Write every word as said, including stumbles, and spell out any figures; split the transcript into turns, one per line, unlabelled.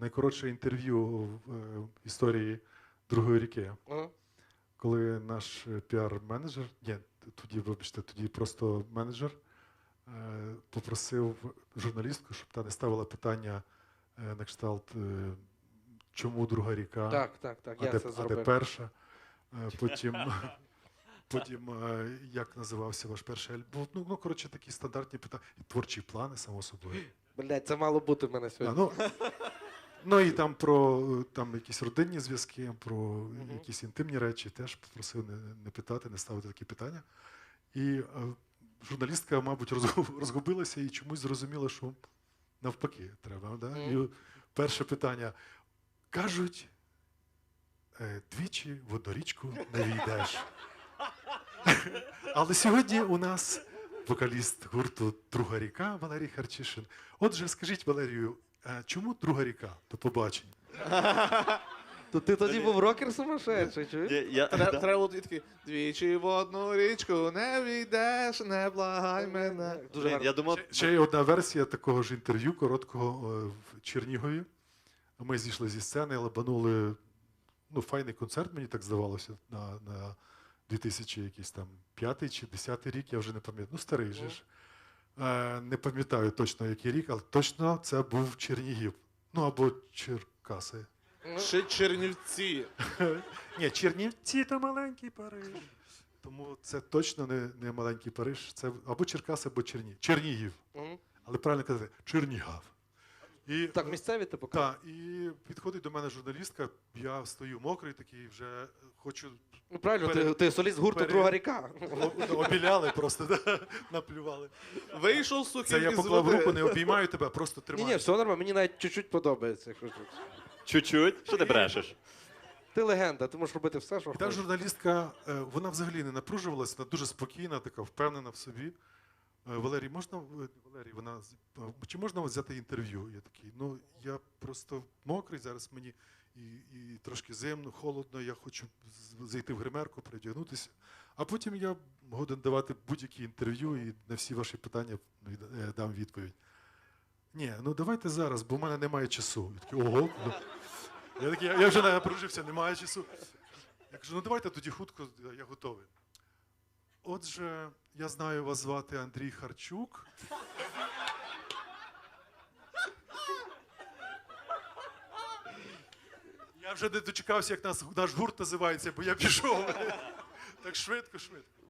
найкоротше інтерв'ю в е, історії Другої ріки.
Ага.
Коли наш е, піар-менеджер, ні, тоді, вибачте, тоді просто менеджер, е, попросив журналістку, щоб та не ставила питання е, на кшталт, е, чому Друга ріка,
Так, так, так,
а,
я
де,
це
а де
зробив.
перша. Е, потім, потім е, як називався ваш перший альбом. Ну, ну, коротше, такі стандартні питання. І творчі плани, само собою.
Блядь, це мало бути в мене
А,
сьогодні.
ну, ну і там про е, там якісь родинні зв'язки, про
Мгм.
якісь інтимні речі теж попросив не, не питати, не ставити такі питання. І е, журналістка, мабуть, розгуб- розгубилася і чомусь зрозуміла, що навпаки треба. Да?
Мгм.
І перше питання. Кажуть, е, двічі в одну річку не війдеш. Але сьогодні у нас вокаліст гурту Друга ріка Валерій Харчишин. Отже, скажіть, Валерію, е, чому Друга ріка? До побачення.
То ти тоді був рокер сумасшедший, чуєш?
Я, я,
Треба
да.
треба було такий, двічі в одну річку не війдеш, не благай мене.
Дуже
Блін,
гарно.
я думав,
Ще, ще є одна версія такого ж інтерв'ю короткого е, в Чернігові. Ми зійшли зі сцени, лабанули, ну, файний концерт, мені так здавалося, на, на дві тисячі якийсь там п'ятий чи десятий рік, я вже не пам'ятаю. Ну, старий же ж. Е, не пам'ятаю точно, який рік, але точно це був Чернігів. Ну, або Черкаси.
Ще Чернівці.
Ні, Чернівці то маленький Париж. Тому це точно не, не маленький Париж. Це або Черкаси, або Черні... Чернігів.
Мгм.
Але правильно казати, Чернігав. І,
Так, місцеві ти показав?
Так, і підходить до мене журналістка, я стою мокрий такий, вже хочу,
Ну правильно, ти,
пере-
ти соліст гурту
пере-
Друга ріка.
о- обіляли просто, да, наплювали.
Вийшов сухий
Це я
із
поклав
води.
руку, не обіймаю тебе, просто
Ні,
тримаю.
ні, все нормально, мені навіть чуть-чуть подобається. якщо чесно.
чуть-чуть, що ти брешеш?
Ти легенда, ти можеш робити все, що
І та
хочеш.
журналістка, е, вона взагалі не напружувалася, вона дуже спокійна, така впевнена в собі. Е, Валерій, можна, е, Валерій, вона, з- е, чи можна взяти інтерв'ю? Я такий, ну, я просто мокрий, зараз мені і, і трошки зимно, холодно, я хочу з- зайти в гримерку, передягнутися. А потім я годен давати будь-які інтерв'ю і на всі ваші питання від- е, дам відповідь. Ні, ну давайте зараз, бо в мене немає часу. Я такий, ого. ну». Я, такий, я вже напружився, немає часу. Я кажу, ну давайте тоді хутко, я готовий. Отже, я знаю, вас звати Андрій Харчук. Я вже не дочекався, як нас, наш гурт називається, бо я пішов. Так швидко, швидко.